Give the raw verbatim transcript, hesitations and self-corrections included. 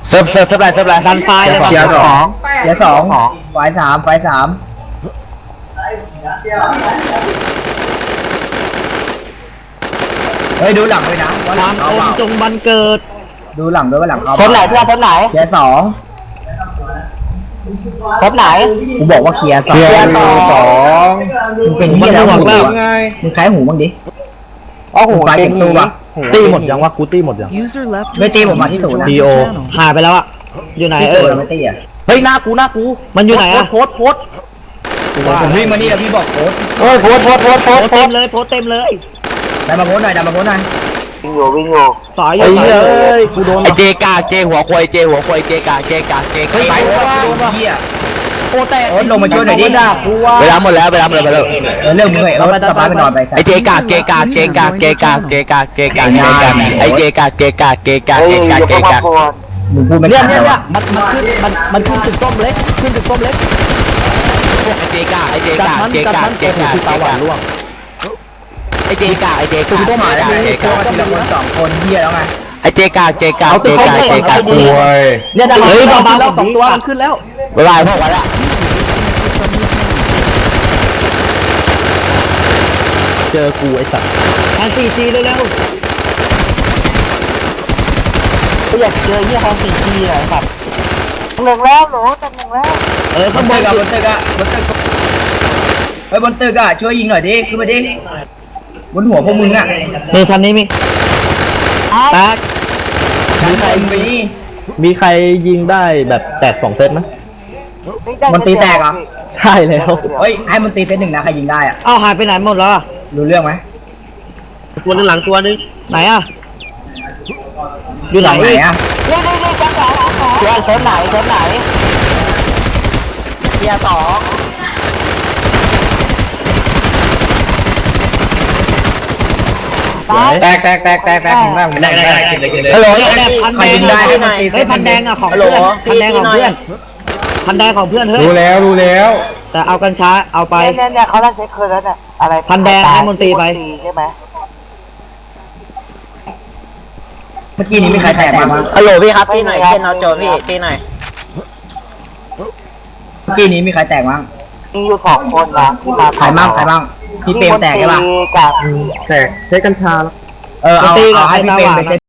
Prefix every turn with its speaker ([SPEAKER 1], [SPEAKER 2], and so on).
[SPEAKER 1] เซิร์ฟเซิร์ฟเซิร์ฟอะไรเซิร์ฟอะไร
[SPEAKER 2] ดันไฟเลย
[SPEAKER 3] เกียร์สองเกียร์สอง
[SPEAKER 2] สอง
[SPEAKER 3] ไฟสามไฟสามเฮ้ยดูหลังด้วยนะว่าห
[SPEAKER 2] ค
[SPEAKER 3] ลั
[SPEAKER 2] วาง ม
[SPEAKER 3] เขา
[SPEAKER 2] อ
[SPEAKER 3] เป
[SPEAKER 2] ม
[SPEAKER 3] ล่า
[SPEAKER 2] จงบันเกิด
[SPEAKER 3] ดูหลังด้วยว่าหลังเขา
[SPEAKER 2] คนไหนเพื่อนคนไหน
[SPEAKER 3] เกียร์สอง
[SPEAKER 2] คนไหน
[SPEAKER 3] กูบอกว่าเคลียร์สอง
[SPEAKER 2] เคลียร์สอง
[SPEAKER 3] มึงเป็นที่แล้ว
[SPEAKER 2] มัน
[SPEAKER 3] หู
[SPEAKER 2] บอกแล้ว
[SPEAKER 3] อะมึงคล้ายหูบ้างดิ
[SPEAKER 2] อ๋อโห
[SPEAKER 3] ไฟเป็นตัวปะ
[SPEAKER 4] ตีหมดยังวะกูตีหมดยัง
[SPEAKER 5] User left
[SPEAKER 3] ไม่ตีผมมาที่ศูนย์นะ
[SPEAKER 4] ดีโอ
[SPEAKER 2] หายไปแล้วอะอยู่ไหน
[SPEAKER 3] ที่
[SPEAKER 2] เอ
[SPEAKER 3] ตัว
[SPEAKER 2] อ
[SPEAKER 3] เราไม่ตีอ่ะ
[SPEAKER 4] เฮ้ยหน้ากูหน้ากู
[SPEAKER 2] มันอยู่ไหนอะ
[SPEAKER 4] โพสต์โพสต์โพสต์
[SPEAKER 3] ผมวิ่งมานี่แล้วพี่บอกโค้ด
[SPEAKER 4] เฮ้ยโพสต์โพสต์โพสต์โพ
[SPEAKER 2] โพ
[SPEAKER 4] ส
[SPEAKER 2] ส
[SPEAKER 4] ต์
[SPEAKER 2] เต็มเลยโพสเต็มเลย
[SPEAKER 3] ได้มาโค้ดหน่อยได้มาโค้ดหน่อย
[SPEAKER 2] สอยอ
[SPEAKER 4] ไอ้
[SPEAKER 2] ยู่
[SPEAKER 4] เหี้ยเอ้ยกูโดน
[SPEAKER 1] ไอเจกาเจหัวควายเจหัวควายเจกาเจกาเจกา
[SPEAKER 3] ไปเฮีย
[SPEAKER 4] โคแต่
[SPEAKER 3] โอ๊ตลงมาช่วยหน่อยดิ
[SPEAKER 4] ด่ากูว่า
[SPEAKER 1] เวลาหมดแล้วเวลาหมดแล้วไปแล้ว
[SPEAKER 3] เออเริ่มมึงเลยเออกลับบ้านไปนอนไป
[SPEAKER 1] ไอเจกาเจกาเจกาเจกาเจกาเจกาเจกาไอเจกาเจกาเจกาเจกาเจกา
[SPEAKER 3] มึงพูดไม่
[SPEAKER 4] เนี่
[SPEAKER 3] ได้
[SPEAKER 4] ยเนี่ย
[SPEAKER 3] หร
[SPEAKER 4] เนี่
[SPEAKER 3] อย
[SPEAKER 4] มันมันขึ้นมันมันขึ้นจุดส้มเล็กขึ้นจุดส้มเล็ก
[SPEAKER 1] ไอเจกาไอเจ
[SPEAKER 4] จัด
[SPEAKER 1] กา
[SPEAKER 4] มัน
[SPEAKER 1] เจ
[SPEAKER 4] จัด
[SPEAKER 1] กา
[SPEAKER 4] มัน
[SPEAKER 1] เจ
[SPEAKER 4] เจ็บ
[SPEAKER 1] กา
[SPEAKER 4] คือตาหวานร่วง
[SPEAKER 1] ไอเจกาไอเจกา
[SPEAKER 3] กูก็มาแล้ว
[SPEAKER 1] เจ
[SPEAKER 3] มึง
[SPEAKER 1] กา
[SPEAKER 3] ก็ทีละคนสองคนเฮียแล้วไง
[SPEAKER 1] ไอเจกาเจกาเจกาเจกา
[SPEAKER 4] เนี่ยดังเฮ้ยเบาๆแล้วสองตัวมันขึ้นแล้ว
[SPEAKER 1] เวลาพวกวันละ
[SPEAKER 4] เจอกูไอ้สัตว์
[SPEAKER 2] ทางสี่จีเร็วๆกูอยากเจอยี่ห้อสี่จีหน่อยครับหนึ่งแล้วหนูตำหนึ่งแล้วเออบ ข้าง
[SPEAKER 3] น
[SPEAKER 2] บ
[SPEAKER 3] ตึ
[SPEAKER 2] น
[SPEAKER 3] กอะบนตึกอะบนตึกเฮ้ยบนตึกอะช่วยยิงหน่อยดิขึ้นมาดิบนหัวพวกมึงอะ
[SPEAKER 2] นี่คันนี้มีแตก
[SPEAKER 3] ชั้นบนมี
[SPEAKER 4] มีใครยิงได้แบบแตกสองเซตไหม
[SPEAKER 3] มันตีแตกเหรอ
[SPEAKER 4] ใช่แล้ว
[SPEAKER 3] เฮ้ยให้มันตีเซตหนึ่งนะใครยิงได้อะ
[SPEAKER 2] เอ้าหายไปไหนหมดแล้วอะ
[SPEAKER 3] รู้เรื่องไหม
[SPEAKER 2] ตัวนึงหลังตัวนึงไหนอะอยู่ไหน
[SPEAKER 3] ไหนอะ
[SPEAKER 2] นี่นี่นี่จังหวะเจอเซฟไหนเซฟไหนเกียร์สองตาย
[SPEAKER 3] แตกแตกแตกแตกแตกถึงแม่ผมได้ได้ได้กินเลยกินเลย
[SPEAKER 2] ฮัลโหลเนี่ยพัน
[SPEAKER 3] ใคร
[SPEAKER 2] แด
[SPEAKER 3] ยิ
[SPEAKER 2] ง
[SPEAKER 3] งได้ให้มันตี
[SPEAKER 2] เฮ้ยพันแดงอะของเพื่อนพันแดงของเพื่อนพันแดงของเพื่อนเฮ้ย
[SPEAKER 4] รู้แล้วรู้แล้ว
[SPEAKER 2] แต่เอากันช้าเอาไป
[SPEAKER 6] เนี่ยเนี่ยเขาเล่นเซ็กคืนแล้วเนี่ยอะไร
[SPEAKER 2] พันแดงให้มนตรีไป
[SPEAKER 6] ใช่ไหม
[SPEAKER 3] เมื่อกี้นี้มีใครแตกบ้าง
[SPEAKER 6] ฮัลโหลพี่ครับพี่หน่อยเช่นเอาโจพี่พี่หน่อย
[SPEAKER 3] เมื่อกี้นี้มีใครแตกบ้าง
[SPEAKER 6] มีอยู่สองคนนะที่มา
[SPEAKER 3] ใครบ้างใครบ้างพี่เปรมแตกใช่ปะ
[SPEAKER 6] กับ
[SPEAKER 4] แตกใช้กัญชา
[SPEAKER 3] เออเอาเอาให้พี่เปรมไปเซต